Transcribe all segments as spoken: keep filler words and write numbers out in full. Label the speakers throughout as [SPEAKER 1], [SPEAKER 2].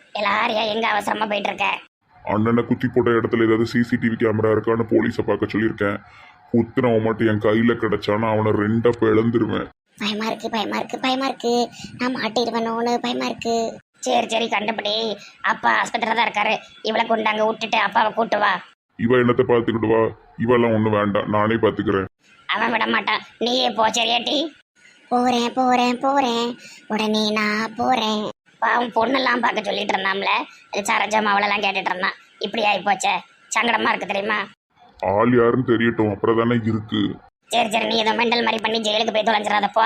[SPEAKER 1] எல்லாரையும் எங்க அவசரமா போயிட்டு இருக்க?
[SPEAKER 2] அண்ணனை குத்தி போட்ட இடத்துல ஏதாவது சிசிடிவி கேமரா இருக்கான்னு போலீஸை பார்க்க சொல்லியிருக்கேன். குத்துனவன் மட்டும் என் கையில கிடைச்சானா அவனை ரெண்டா பிளந்துருவேன்.
[SPEAKER 1] பயமா இருக்கு பயமா இருக்கு பயமா இருக்கு. நான் மாட்டிடுவேனோன்னு பயமா இருக்கு. சரி சரி கண்டுபிடி. அப்பா ஹாஸ்பிட்டல்ல தான் இருக்காரு. இவளை கொண்டாங்க விட்டுட்டு அப்பாவை கூட்டு வா.
[SPEAKER 2] இவ என்னத்தை பார்த்துக்கிட்டு வா, இவெல்லாம் ஒன்றும் வேண்டாம், நானே பார்த்துக்கிறேன்.
[SPEAKER 1] அவன் விட மாட்டான். நீயே போ சரியாட்டி. போறேன் போறேன் போறேன் உடனே நான் போறேன். பாவம் பொண்ணெல்லாம் பார்க்க சொல்லிட்டு இருந்தாம்ல, சரஜம் அவளெல்லாம் கேட்டுட்டு இருந்தான். இப்படி ஆகி போச்சே, சங்கடமா இருக்கு தெரியுமா?
[SPEAKER 2] ஆள் யாருன்னு தெரியட்டும், அப்புறம் தானே இருக்கு.
[SPEAKER 1] சரி சரி நீ ஏதோ மெண்டல் மாதிரி பண்ணி ஜெயிலுக்கு போய் தொலைஞ்சிடாதப்போ.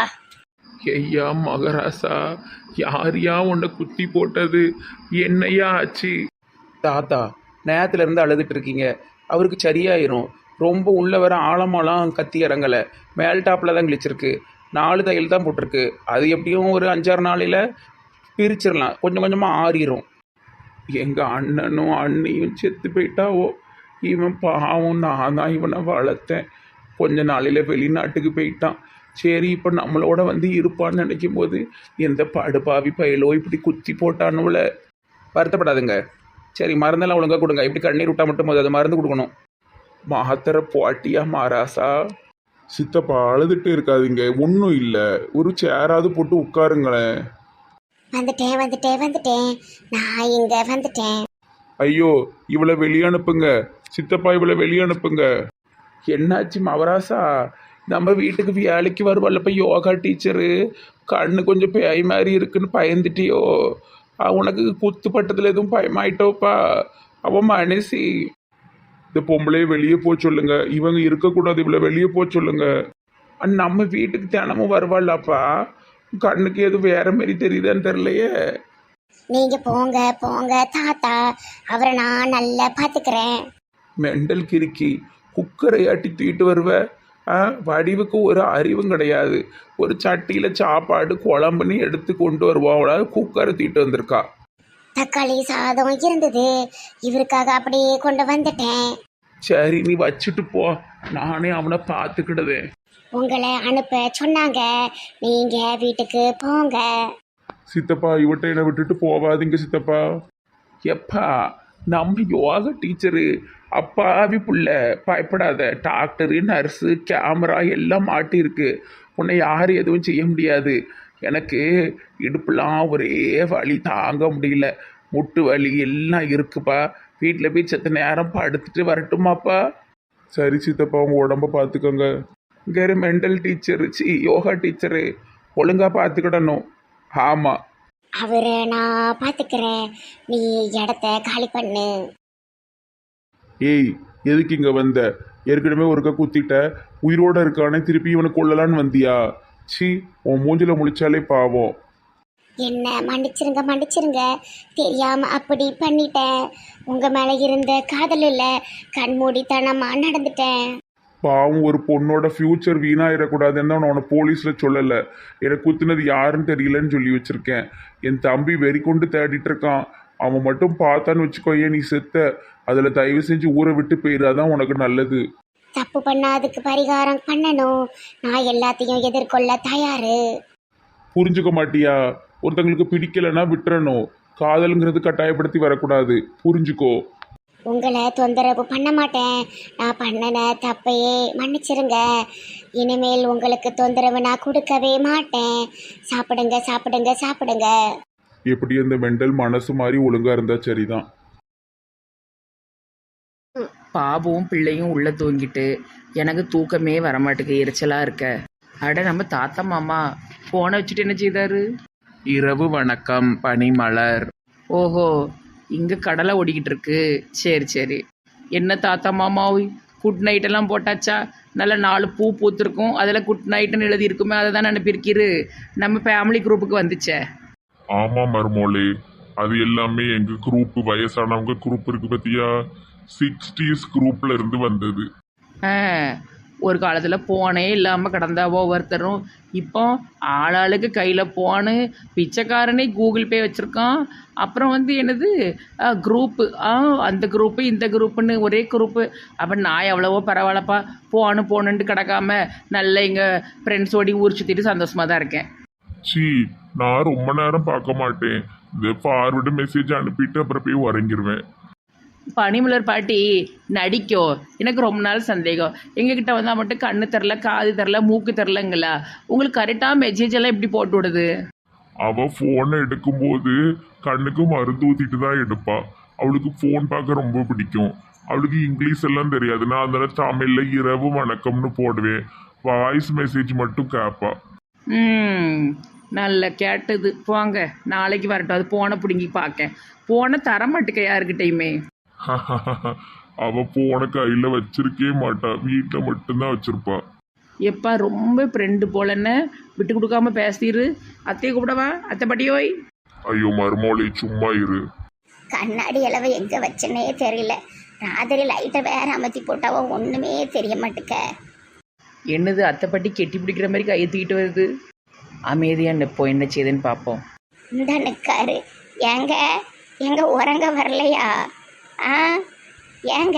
[SPEAKER 3] ஐயா மகராசா, யாரையா உன்னை குத்தி போட்டது? என்னையா ஆச்சு? தாத்தா நேரத்துல இருந்து அழுதுட்டு இருக்கீங்க, அவருக்கு சரியாயிரும். ரொம்ப உள்ள வர ஆழமாலாம் கத்தி இறங்கலை, மேல் டாப்பில் தான் கிழிச்சிருக்கு. நாலு தையல் தான் போட்டிருக்கு. அது எப்படியும் ஒரு அஞ்சாறு நாளையில் பிரிச்சிடலாம், கொஞ்சம் கொஞ்சமாக ஆறிடும். எங்கள் அண்ணனும் அண்ணியும் செத்து போயிட்டாவோ. இவன் பாவம், நான் தான் இவனை வளர்த்தேன். கொஞ்ச நாளையில் வெளிநாட்டுக்கு போயிட்டான். சரி இப்போ நம்மளோட வந்து இருப்பான்னு நினைக்கும் போது எந்த படுபாவி பயலோ இப்படி குத்தி போட்டானுல. வருத்தப்படாதுங்க. சரி மருந்தெல்லாம் ஒழுங்காக கொடுங்க. இப்படி கண்ணீர் விட்டால் மட்டும் போது அது மருந்து கொடுக்கணும். மாத்திரை போட்டியா மாராசா?
[SPEAKER 2] சித்தப்பா அழுதுட்டு இருக்காதீங்க, ஒன்றும் இல்லை, ஒரு சேராவது போட்டு உட்காருங்களேன்.
[SPEAKER 1] வந்துட்டேன் வந்துட்டேன் வந்துட்டேன் நான் இங்க வந்துட்டேன்.
[SPEAKER 2] ஐயோ இவளை வெளியே அனுப்புங்க சித்தப்பா, இவளை வெளியே அனுப்புங்க.
[SPEAKER 3] என்னாச்சு மவராசா? நம்ம வீட்டுக்கு வேலைக்கு வருவாள்ப்ப யோகா டீச்சரு, கண்ணு கொஞ்சம் பேய் மாதிரி இருக்குன்னு பயந்துட்டியோ? உனக்கு குத்து பட்டத்தில் எதுவும் பயமாயிட்டோப்பா? அவன் மனசி.
[SPEAKER 2] இந்த பொம்பளையை வெளியே போக சொல்லுங்க, இவங்க இருக்கக்கூடாது, இவளை வெளியே போக சொல்லுங்க.
[SPEAKER 3] நம்ம வீட்டுக்கு தினமும் வருவாள்ப்பா, கண்ணுக்கு எதுவும் வேற மாதிரி தெரியுதான்னு தெரியலையே.
[SPEAKER 1] நீங்க போங்க போங்க தாத்தா, அவரை நான் நல்லா பாத்துக்கிறேன்.
[SPEAKER 3] மெண்டல் கிறுக்கி, குக்கரை ஆட்டி தூக்கிட்டு வருவ. ஆ, வடிவுக்கு ஒரு அறிவும் கிடையாது. ஒரு சட்டியில் சாப்பாடு குழம்புன்னு எடுத்து கொண்டு வருவோம், அவளால் குக்கரை தூக்கிட்டு வந்திருக்கா.
[SPEAKER 1] தக்காளி சாதம் இருந்தது, இவருக்காக அப்படியே கொண்டு வந்துட்டேன்.
[SPEAKER 3] சரி நீ வச்சுட்டு போ, நானே அவனை பார்த்துக்கிடுவேன்.
[SPEAKER 1] உங்களை அனுப்ப சொன்னாங்க, நீங்க வீட்டுக்கு போங்க.
[SPEAKER 2] சித்தப்பா இவட்ட என்னை விட்டுட்டு போவாதீங்க சித்தப்பா.
[SPEAKER 3] எப்பா நம்ம யோகா டீச்சரு, அப்பாவி புள்ள, பயப்படாத. டாக்டரு நர்ஸு கேமரா எல்லாம் மாட்டிருக்கு, உன்னை யாரும் எதுவும் செய்ய முடியாது. எனக்கு இடுப்புலாம் ஒரே வலி தாங்க முடியல, முட்டு வலி எல்லாம் இருக்குப்பா. வீட்டில் போய் செத்த நேரம் படுத்துட்டு வரட்டுமாப்பா?
[SPEAKER 2] சரி சித்தப்பா, உங்க உடம்ப பார்த்துக்கோங்க.
[SPEAKER 3] இங்கே மெண்டல் டீச்சரு, சி யோகா டீச்சரு, ஒழுங்காக பார்த்துக்கிடணும். ஆமாம்
[SPEAKER 1] அவரை நான் பாத்துக்கிறேன், நீ இடத்த காலி பண்ணு.
[SPEAKER 2] ஏய் எதுக்கு இங்க வந்த? ஏற்கனவே ஒருக்கா குத்திட்ட, உயிரோட இருக்கானே திருப்பி இவனை கொள்ளலான்னு வந்தியா? சி, உன் மூஞ்சில முழிச்சாலே பாவம்.
[SPEAKER 1] என்ன மன்னிச்சிருங்க மன்னிச்சிருங்க, தெரியாம அப்படி பண்ணிட்டேன். உங்க மேல இருந்த காதல் இல்ல, கண்மூடித்தனமா நடந்துட்டேன்.
[SPEAKER 2] பாவம், ஒரு பொண்ணோட ஃபியூச்சர் வீணாயிடக்கூடாதுன்னு தான் நான் உன்னை போலீஸில் சொல்லலை. எனக்கு குத்துனது யாருன்னு தெரியலன்னு சொல்லி வச்சுருக்கேன். என் தம்பி வெறி கொண்டு தேடிட்டு இருக்கான், அவன் மட்டும் பார்த்தான்னு வச்சுக்கோயே நீ செத்த. அதில் தயவு செஞ்சு ஊரை விட்டு போயிடாதான் உனக்கு நல்லது.
[SPEAKER 1] தப்பு பண்ணா அதுக்கு பரிகாரம் பண்ணணும், நான் எல்லாத்தையும் எதிர்கொள்ள தயாரு.
[SPEAKER 2] புரிஞ்சுக்க மாட்டியா? ஒருத்தங்களுக்கு பிடிக்கலைன்னா விட்டுறணும், காதலுங்கிறது கட்டாயப்படுத்தி வரக்கூடாது, புரிஞ்சுக்கோ.
[SPEAKER 1] உங்களை தொந்தரவு பண்ண மாட்டேன், நான் பண்ணின தப்பையே மன்னிச்சிருங்க. இனிமேல் உங்களுக்கு தொந்தரவு நான் கொடுக்கவே மாட்டேன். சாப்பிடுங்க சாப்பிடுங்க சாப்பிடுங்க.
[SPEAKER 2] எப்படி அந்த மெண்டல் மனசு மாதிரி ஒழுங்கா இருந்தா சரிதான்.
[SPEAKER 4] பாபுவும் பிள்ளையும் உள்ள தூங்கிட்டு எனக்கு தூக்கமே வரமாட்டுக்கு, எரிச்சலா இருக்க. அட நம்ம தாத்தா மாமா போனை வச்சுட்டு என்ன செய்தாரு?
[SPEAKER 3] இரவு வணக்கம் பனிமலர்.
[SPEAKER 4] ஓஹோ, இங்கே கடலை ஓடிக்கிட்டு இருக்கு. சரி சரி. என்ன தாத்தா மாமா குட் நைட்டெல்லாம் போட்டாச்சா? நல்ல நாலு பூ பூத்துருக்கும், அதில் குட் நைட்டுன்னு எழுதி இருக்குமே, அதை தான் அனுப்பியிருக்கிரு. நம்ம ஃபேமிலி குரூப்புக்கு வந்துச்சே.
[SPEAKER 2] ஆமா மருமோளே, அது எல்லாமே எங்க குரூப், வயசானவங்க குரூப் இருக்கு பத்தியா, சிக்ஸ்டீஸ் குரூப்ல இருந்து வந்தது.
[SPEAKER 4] ஆ, ஒரு காலத்தில் போனே இல்லாமல் கிடந்தா ஒவ்வொருத்தரும். இப்போ ஆளாளுக்கு கையில் போனு, பிச்சைக்காரனே கூகுள் பே வச்சுருக்கான். அப்புறம் வந்து என்னது குரூப்பு, ஆ அந்த குரூப்பு இந்த குரூப்புன்னு ஒரே குரூப்பு. அப்போ நான் எவ்வளவோ பரவாயில்லப்பா, போனு போனுன்ட்டு கிடக்காம நல்ல எங்கள் ஃப்ரெண்ட்ஸோடி ஊர் சுற்றிட்டு சந்தோஷமாக தான் இருக்கேன்.
[SPEAKER 2] சி, நான் ரொம்ப நேரம் பார்க்க மாட்டேன், இந்த ஃபார்வர்டு மெசேஜ் அனுப்பிட்டு அப்புறம் போய் உறங்கிடுவேன்.
[SPEAKER 4] பனிமலர் பாட்டி நடிக்கும். எனக்கு ரொம்ப நாள் சந்தேகம், எங்ககிட்ட வந்தால் மட்டும் கண்ணு தெரில, காது தெரில, மூக்கு தெரிலங்களா? உங்களுக்கு கரெக்டாக மெசேஜ் எல்லாம் எப்படி போட்டு விடுது?
[SPEAKER 2] அவ போனை எடுக்கும்போது கண்ணுக்கு மருந்து ஊத்திட்டு தான் எடுப்பா. அவளுக்கு ஃபோன் பார்க்க ரொம்ப பிடிக்கும். அவளுக்கு இங்கிலீஷ் எல்லாம் தெரியாது. நான் அதனால தமிழ்ல இரவு வணக்கம்னு போடுவேன். வாய்ஸ் மெசேஜ் மட்டும் கேட்பா.
[SPEAKER 4] ம் நல்ல கேட்டது. போங்க, நாளைக்கு வரட்டும். அது போனை பிடுங்கி பார்க்க. போனை தர மாட்டேக்க யாருக்கிட்டையுமே.
[SPEAKER 2] அவ போன கையில வச்சிருக்கே மாட்டா, வீட்டுல மட்டும்தான் வச்சிருப்பா.
[SPEAKER 4] எப்பா ரொம்ப ஃப்ரெண்டு போலன்னு விட்டு கொடுக்காம பேசிடு. அத்தையை கூப்பிடவா? அத்தை பாட்டியோய்.
[SPEAKER 2] ஐயோ மருமோளை சும்மா இரு.
[SPEAKER 1] கண்ணாடி அளவு எங்க வச்சனே தெரியல. ராத்திரி லைட்டை வேற அமர்த்தி போட்டாவோ ஒண்ணுமே தெரிய மாட்டுக்க.
[SPEAKER 4] என்னது அத்தை பாட்டி கெட்டி பிடிக்கிற மாதிரி கையை தூக்கிட்டு வருது? அமைதியாக நிற்போம், என்ன செய்யுதுன்னு பார்ப்போம்.
[SPEAKER 1] இந்த நிற்காரு. ஏங்க எங்க உறங்க வரலையா? ஆ ஏங்க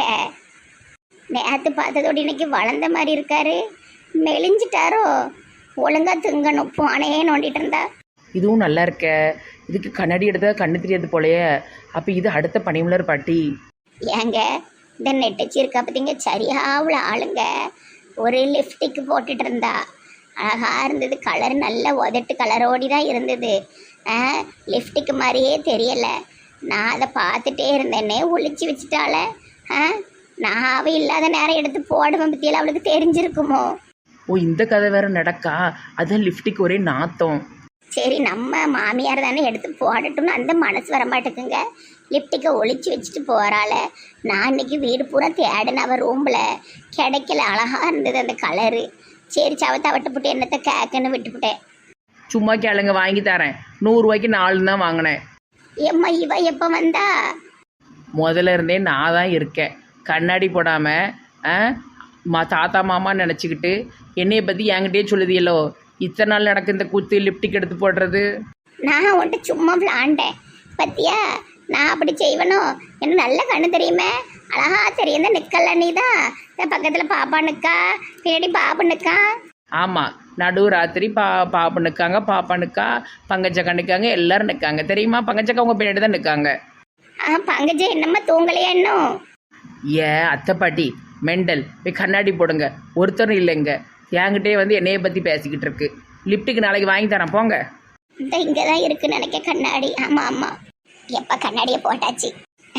[SPEAKER 1] நேற்று பார்த்ததோடு இன்னைக்கு வளர்ந்த மாதிரி இருக்காரு. மெலிஞ்சிட்டாரோ? ஒழுங்கா திங்கணும். போனே நோண்டிட்டு இருந்தா.
[SPEAKER 4] இதுவும் நல்லா இருக்க. இதுக்கு கண்ணாடி எடுத்தா கண்ணு தெரியாது போலையே. அப்போ இது அடுத்த பனிமலர் பாட்டி.
[SPEAKER 1] ஏங்க இந்த நெட்டச்சி இருக்கா பார்த்தீங்க, சரியாவுல ஆளுங்க. ஒரு லிப்டிக் போட்டுட்டு இருந்தா, அழகா இருந்தது. கலர் நல்ல உதட்டு கலரோடி தான் இருந்தது. லிப்டிக் மாதிரியே தெரியலை. நான் அதை பார்த்துட்டே இருந்தேனே, ஒளிச்சு வச்சுட்டால. ஆ நான் அவ இல்லாத நேரம் எடுத்து போடுவேன். பற்றியெல்லாம் அவளுக்கு தெரிஞ்சிருக்குமோ?
[SPEAKER 4] ஓ, இந்த கதை வேற நடக்கா? அதான் லிப்டிக் ஒரே நாத்தம்.
[SPEAKER 1] சரி நம்ம மாமியார் தானே எடுத்து போடட்டும்னு அந்த மனசு வர மாட்டேங்குங்க. லிப்டிக்கை ஒளிச்சு வச்சுட்டு போகிறாள். நான் இன்னைக்கு வீடு பூரா தேடின அவள் ரூமில் கிடைக்கல. அழகாக இருந்தது அந்த கலரு. சரி சவத்தை விட்டு போட்டு என்னத்தை கேக்குன்னு விட்டுவிட்டேன்.
[SPEAKER 4] சும்மா கேளுங்க, வாங்கி தரேன். நூறுரூவாய்க்கு நாலு தான் வாங்கினேன்.
[SPEAKER 1] ஏம்மா இவ எப்போ வந்தா?
[SPEAKER 4] முதல்ல இருந்தே நான் தான் இருக்கேன். கண்ணாடி போடாமல் மா தாத்தா மாமா நினச்சிக்கிட்டு என்னையை பற்றி என்கிட்டயே சொல்லுதியல்லோ. இத்தனை நாள் நடக்கு இந்த கூத்து லிப்டிக் எடுத்து போடுறது.
[SPEAKER 1] நான் உன்ட்டு சும்மா விளாண்டேன் பத்தியா. நான் அப்படி செய்வனோ? எனக்கு நல்ல கண்ணு தெரியுமே, அழகா தெரியும். இந்த நிக்கல நீ தான் பக்கத்தில் பாப்பா நிற்கா, பின்னாடி பாப்பு நிற்கா.
[SPEAKER 4] ஆமாம், நடு ராத்திரி பா பாப்பு நிற்காங்க, பாப்பா நிற்கா, பங்கஜக்கா நிற்காங்க, எல்லாரும் நிற்காங்க. தெரியுமா? பங்கஜக்கா உங்கள் பின்னாடி தான் நிற்காங்க.
[SPEAKER 1] ஆ பங்கஜ என்னம்மா தூங்கலையா இன்னும்?
[SPEAKER 4] ஏ அத்தை பாட்டி மெண்டல், போய் கண்ணாடி போடுங்க. ஒருத்தரும் இல்லைங்க. என்கிட்டே வந்து என்னையை பற்றி பேசிக்கிட்டு இருக்கு. லிப்டிக்கு நாளைக்கு வாங்கி தரேன், போங்க.
[SPEAKER 1] இந்த இங்கே தான் இருக்குன்னு நினைக்க கண்ணாடி. ஆமாம் ஆமாம், எப்போ கண்ணாடியை போட்டாச்சு.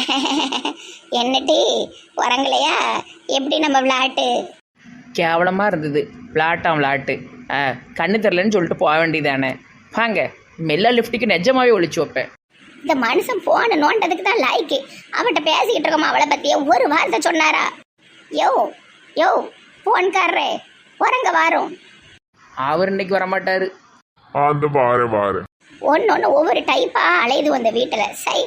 [SPEAKER 1] என்னட்டி உறங்கலையா? எப்படி நம்ம விளையாட்டு?
[SPEAKER 4] கேவலமாக இருந்தது. விளாட்டான் விளாட்டு. ஆ கண்ணு தெரிலன்னு சொல்லிட்டு போக வேண்டியதானே. வாங்க, மெல்ல லிப்டிக்கு நிஜமாவே ஒழிச்சு வைப்பேன்.
[SPEAKER 1] இந்த மனுஷன் போன நோண்டதுக்கு தான் லாய்க்கு. அவட்ட பேசிக்கிட்டு இருக்கோமா அவளை பற்றிய ஒரு வார்த்தை சொன்னாரா? யோ யோ போன்காரரே உறங்க வாரும்.
[SPEAKER 4] அவர் இன்னைக்கு வரமாட்டார்.
[SPEAKER 2] அந்த வார வார
[SPEAKER 1] ஒன்று ஒன்று ஒவ்வொரு டைப்பாக அலையுது வந்த வீட்டில். சை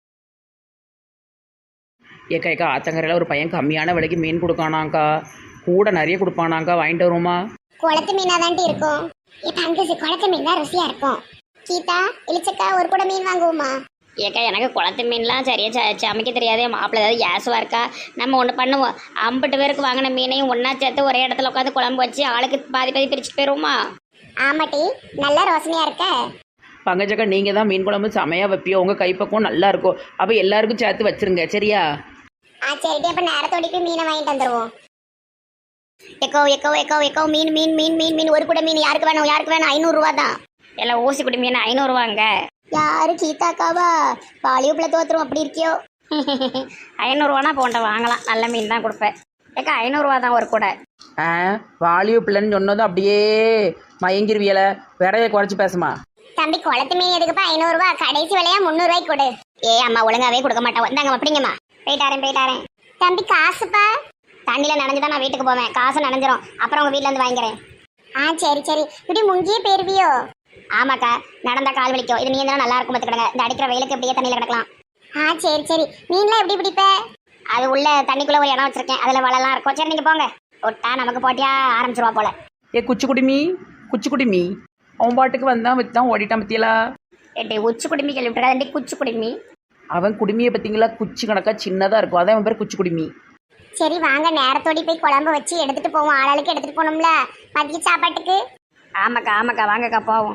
[SPEAKER 4] ஏக்கா ஏக்கா ஆத்தங்கரையில் ஒரு பையன் கம்மியான விலைக்கு மீன் கொடுக்கானாங்க்கா. கூட நிறைய கொடுப்பானாங்க்கா. வாங்கிட்டு வருவோமா?
[SPEAKER 1] குளத்து மீனாக தாண்டி இருக்கும். என் தங்கச்சி குளத்து மீன் தான் ருசியாக இருக்கும். கீதா இளிச்சக்கா ஒரு கூட மீன் வாங்குவோமா? ஏக்கா எனக்கு குளத்து மீன்லாம் சரியா ச சமைக்க தெரியாதே. மாப்பிள்ள ஏதாவது ஏசுவா இருக்கா? நம்ம ஒன்று பண்ணுவோம். ஐம்பது பேருக்கு வாங்கின மீனையும் ஒன்றா சேர்த்து ஒரே இடத்துல உட்காந்து குழம்பு வச்சு ஆளுக்கு பாதி பாதி பிரிச்சுட்டு போயிடுவோமா? ஆமாட்டி, நல்ல ரோசனையாக இருக்க.
[SPEAKER 4] பங்கஜக்கா நீங்கள் தான் மீன் குழம்பு செமையாக வைப்பியோ. உங்கள் கைப்பக்கம் நல்லா இருக்கும். அப்போ எல்லாருக்கும் சேர்த்து வச்சிருங்க, சரியா?
[SPEAKER 1] ஆ சரிட்டி, அப்போ நேரத்தோடிக்கு மீனை வாங்கிட்டு வந்துடுவோம். எக்கோ எக்கோ எக்கோ எக்கோ மீன் மீன் மீன் மீன் மீன் ஒரு கூட மீன் யாருக்கு வேணும்? யாருக்கு வேணும்? ஐநூறுரூவா தான். எல்லாம் ஊசி குடி மீன் ஐநூறுரூவாங்க. யாரு கீதாக்காவா? பாலிவுப்பில் தோத்துரும் அப்படி இருக்கியோ? ஐநூறுரூவானா போன்ற வாங்கலாம். நல்ல மீன் தான் கொடுப்பேன். ஏக்கா ஐநூறுரூவா தான் ஒரு கூட.
[SPEAKER 4] ஆ வாலியோ பிள்ளைன்னு சொன்னதும் அப்படியே மயங்கிருவியலை. விரைய குறைச்சி பேசுமா?
[SPEAKER 1] தம்பி குளத்து மீன் எதுக்குப்பா ஐநூறுரூவா? கடைசி விலையா முந்நூறுரூவாய்க்கு கொடு. ஏ அம்மா ஒழுங்காவே கொடுக்க மாட்டோம். வந்தாங்க அப்படிங்கம்மா. போயிட்டாரேன் போயிட்டாரேன். தம்பி காசுப்பா? தண்ணியில் நனைஞ்சுதான் நான் வீட்டுக்கு போவேன். காசு நனைஞ்சிரும். அப்புறம் உங்கள் வீட்டில் வந்து வாங்கிக்கிறேன். ஆ சரி சரி. இப்படி முங்கியே போயிருவியோ? ஆமாக்கா, நடந்தா கால் வலிக்கும். இது நீங்க நல்லா இருக்கும் பார்த்துக்கிடுங்க. இந்த அடிக்கிற வெயிலுக்கு எப்படியே தண்ணியில் கிடக்கலாம். ஆ சரி சரி. மீன்லாம் எப்படி பிடிப்ப? அது உள்ள தண்ணிக்குள்ளே ஒரு இடம் வச்சிருக்கேன், அதில் வலைலாம் இருக்கும். சரி நீங்கள் போங்க. விட்டா நமக்கு போட்டியா ஆரம்பிச்சிருவா போல.
[SPEAKER 4] ஏ குச்சி குடிமி குச்சி குடிமி அவன் பாட்டுக்கு வந்தான் வித்தான் ஓடிட்டான் பத்தியலா.
[SPEAKER 1] ஏட்டி உச்சி குடிமி கேள்விப்பட்டா? குச்சி குடிமி.
[SPEAKER 4] அவன் குடுமியை பார்த்தீங்களா? குச்சி கணக்கா சின்னதாக இருக்கும். அதான் அவன் பேர் குச்சி குடுமி.
[SPEAKER 1] சரி வாங்க, நேரத்தோடி போய் குழம்பு வச்சு எடுத்துட்டு போவோம். ஆளாளுக்கு எடுத்துட்டு போகணும்ல மதிய சாப்பாட்டுக்கு. ஆமாக்கா ஆமாக்கா, வாங்கக்கா போவோம்.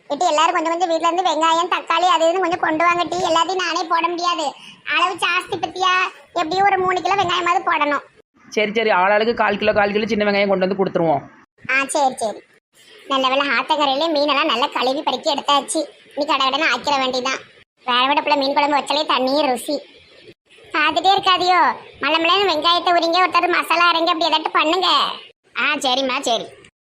[SPEAKER 1] இட்டு எல்லாரும் கொஞ்சம் கொஞ்சம் வீட்ல இருந்து வெங்காயம் தக்காளி அது இதுன்னு கொஞ்சம் கொண்டு வாங்க டீ. எல்லாத்தையும் நானே போட முடியாது, அளவு ஜாஸ்தி பத்தியா. எப்படியும் ஒரு மூணு கிலோ வெங்காயமாவது போடணும்.
[SPEAKER 4] சரி சரி ஆளாளுக்கு கால் கிலோ கால் கிலோ சின்ன வெங்காயம் கொண்டு வந்து கொடுத்துருவோம்.
[SPEAKER 1] ஆ சரி சரி. நல்ல வேலை ஆத்தங்கரையிலே மீனெல்லாம் நல்லா கழுவி பறிக்க எடுத்தாச்சு. நீ கடை கடனை ஆக்கிற வேண்டிதான். வேற விடப்புல மீன் குழம்பு வச்சாலே தண்ணியும் ருசி. பார்த்துட்டே இருக்காதியோ, மலை மலைன்னு வெங்காயத்தை உரிங்க, ஒருத்தர் மசாலா அரைங்க, அப்படி ஏதாட்டும் பண்ணுங்க. ஆ சரிம்மா சரி.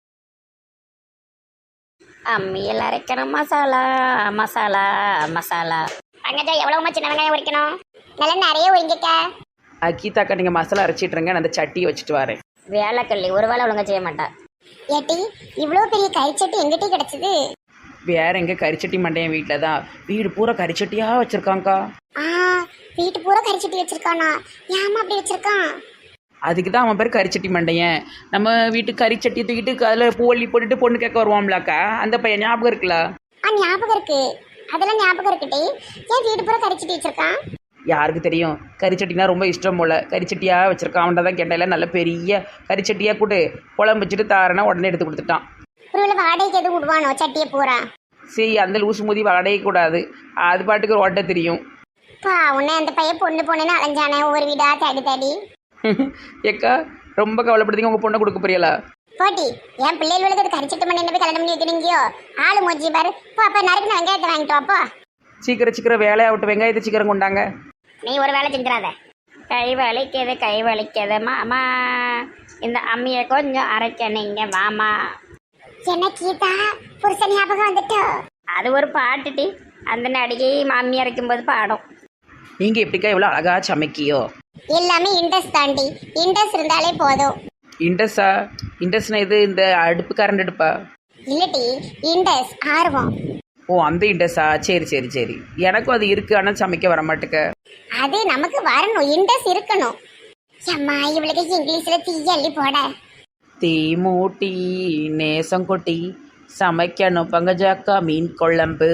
[SPEAKER 1] அம்மியில் அரைக்கணும் மசாலா மசாலா மசாலா. பங்கஜா எவ்வளவுமா சின்ன வெங்காயம் உரிக்கணும்? நல்லா நிறைய உரிங்கிட்ட.
[SPEAKER 4] கீதாக்கா நீங்கள் மசாலா அரைச்சிட்ருங்க, நான் அந்த சட்டியை வச்சுட்டு வரேன்.
[SPEAKER 1] வேலைக்கல்லி ஒரு வேலை ஒழுங்கா செய்ய மாட்டா. ஏட்டி இவ்வளோ பெரிய கறிச்சட்டி எங்கிட்டே கிடைச்சது?
[SPEAKER 4] வேற எங்கே கறிச்சட்டி மண்டையன் வீட்டில் தான். வீடு பூரா கறிச்சட்டியாக வச்சுருக்காங்க்கா.
[SPEAKER 1] ஆ வீட்டு பூரா கறிச்சட்டி வச்சிருக்கானா? ஏமா அப்படி வச்சிருக்கான்?
[SPEAKER 4] அதுக்கு தான் அவன் பேர் கறிச்சட்டி மண்டையன். நம்ம வீட்டுக்கு கறிச்சட்டியை தூக்கிட்டு அதில் பூவள்ளி போட்டுட்டு பொண்ணு கேட்க வருவான்லாக்கா, அந்த பையன் ஞாபகம் இருக்குல்ல?
[SPEAKER 1] ஆ ஞாபகம் இருக்கு, அதெல்லாம் ஞாபகம் இருக்குட்டி. ஏன் வீடு பூரா கறிச்சட்டி வச்சிருக்கான்?
[SPEAKER 4] யாருக்கு தெரியும், கறிச்சட்டினா ரொம்ப இஷ்டம் போல் கறிச்சட்டியாக வச்சுருக்கான். அவன்கிட்ட தான் கேட்டால நல்ல பெரிய கறிச்சட்டியாக கூட்டு குழம்பு வச்சுட்டு தாரனா உடனே எடுத்து கொடுத்துட்டான்.
[SPEAKER 1] ஒருவேளை வாடகைக்கு எதுவும் விடுவானோ சட்டியை பூரா?
[SPEAKER 4] சரி அந்த லூசு மூதி வாடகை கூடாது, அது பாட்டுக்கு ஓட்ட தெரியும்.
[SPEAKER 1] பா உன்னை அந்த பையன் பொண்ணு பொண்ணுன்னு அலைஞ்சானே ஒவ்வொரு வீடா தேடி தேடி.
[SPEAKER 4] ஏக்கா ரொம்ப கவலைப்படுத்தீங்க, உங்கள் பொண்ணை கொடுக்க போறீங்களா?
[SPEAKER 1] போட்டி என் பிள்ளைகளுக்கு அது கறிச்சட்டு மணி என்ன போய் கல்யாணம் பண்ணி வைக்கிறீங்கயோ? ஆளு மோஜி பாரு. போ அப்ப நறுக்கு வெங்காயத்தை வாங்கிட்டு வாப்போ.
[SPEAKER 4] சீக்கிரம் சீக்கிரம் வேலையை விட்டு வெங்காயத்தை சீக்கிரம் கொண்டாங்க.
[SPEAKER 1] நீ ஒரு வேலை செஞ்சிடாத. கை வலிக்குது கை வலிக்குது மாமா, இந்த அம்மியை கொஞ்சம் அரைக்க நீங்க மாமா. என்ன கீதா புருஷன் ஞாபகம் வந்துட்டோ? அது ஒரு பாட்டுட்டி, அந்த நடிகை மாமி அரைக்கும் போது பாடும்.
[SPEAKER 4] நீங்கள் எப்படிக்கா இவ்வளோ அழகா சமைக்கியோ?
[SPEAKER 1] எல்லாமே இண்டஸ் தாண்டி, இண்டஸ் இருந்தாலே போதும்.
[SPEAKER 4] இண்டஸா? இண்டஸ்னா இது இந்த அடுப்பு கரண்ட் அடுப்பா?
[SPEAKER 1] இல்லட்டி இண்டஸ் ஆர்வம்.
[SPEAKER 4] ஓ அந்த இண்டஸா, சரி சரி சரி. எனக்கும் அது இருக்குது, ஆனால் சமைக்க வர மாட்டேக்க.
[SPEAKER 1] அது நமக்கு வரணும், இண்டஸ் இருக்கணும். அம்மா இவளுக்கு இங்கிலீஷ்ல தீ அள்ளி போட.
[SPEAKER 4] தீ மூட்டி நேசம் கொட்டி சமைக்கணும் பங்கஜாக்கா மீன் குழம்பு.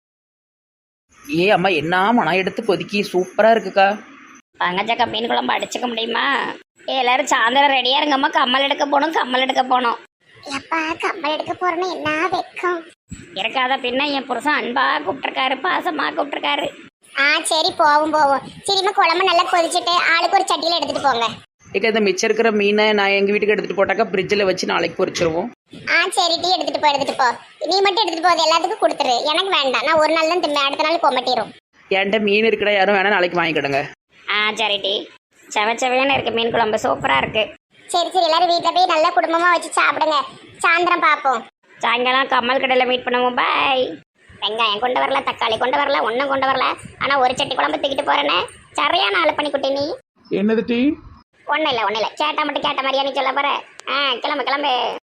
[SPEAKER 4] ஏ அம்மா என்ன மனம் எடுத்து கொதிக்கி சூப்பராக இருக்குக்கா.
[SPEAKER 1] பங்கஜக்கா மீன் குழம்பு அடிச்சுக்க முடியுமா? ஏ எல்லாரும் சாயந்தரம் ரெடியா இருங்கம்மா, கம்மல் எடுக்க போகணும் கம்மல் எடுக்க போகணும். எப்பா கம்மல் எடுக்க போறேன்னு என்ன வெக்கம் இருக்காத. பின்ன என் புருஷன் அன்பா கூப்பிட்டுருக்காரு, பாசமா கூப்பிட்டுருக்காரு. ஆ சரி போவோம் போவோம். சரிம்மா குழம்பு நல்லா கொதிச்சுட்டு ஆளுக்கு ஒரு சட்டியில எடுத்துட்டு போங்க.
[SPEAKER 4] ஏக்கா இந்த மிச்சம் இருக்கிற மீனை நான் எங்கள் வீட்டுக்கு எடுத்துகிட்டு போட்டாக்கா ஃப்ரிட்ஜில் வச்சு நாளைக்கு பொரிச்சிருவோம்.
[SPEAKER 1] ஆ சரி டீ எடுத்துட்டு போ எடுத்துட்டு போ. நீ மட்டும் எடுத்துட்டு போகுது எல்லாத்துக்கும் கொடுத்துரு, எனக்கு வேண்டாம். நான் ஒரு நாள் தான் திம்பேன், அடுத்த நாள் கொமட்டிடும்.
[SPEAKER 4] என்கிட்ட மீன் இருக்குடா, யாரும் வேணா நாளைக்கு வாங்கிக்கிடுங்க.
[SPEAKER 1] ஆ சரி டீ. செவச்சவையான இருக்கு மீன் குழம்பு, சூப்பரா இருக்கு. சரி சரி எல்லாரும் வீட்டில் போய் நல்லா குடும்பமா வச்சு சாப்பிடுங்க. சாயந்தரம் பார்ப்போம். சாயங்காலம் கம்மல் கடையில் மீட் பண்ணுவோம். பாய். வெங்காயம் கொண்டு வரல, தக்காளி கொண்டு வரல, ஒன்றும் கொண்டு வரல. ஆனால் ஒரு சட்டி குழம்பு தூக்கிட்டு போறேன்னு சரியான ஆள் பண்ணி குட்டி. நீ
[SPEAKER 3] என்னது டீ?
[SPEAKER 1] ஒன்றும் இல்லை ஒன்றும் இல்லை, கேட்டா மட்டும் கேட்ட மாதிரியா நீ சொல்ல போற? ஆ கிளம்பு கிளம்பு.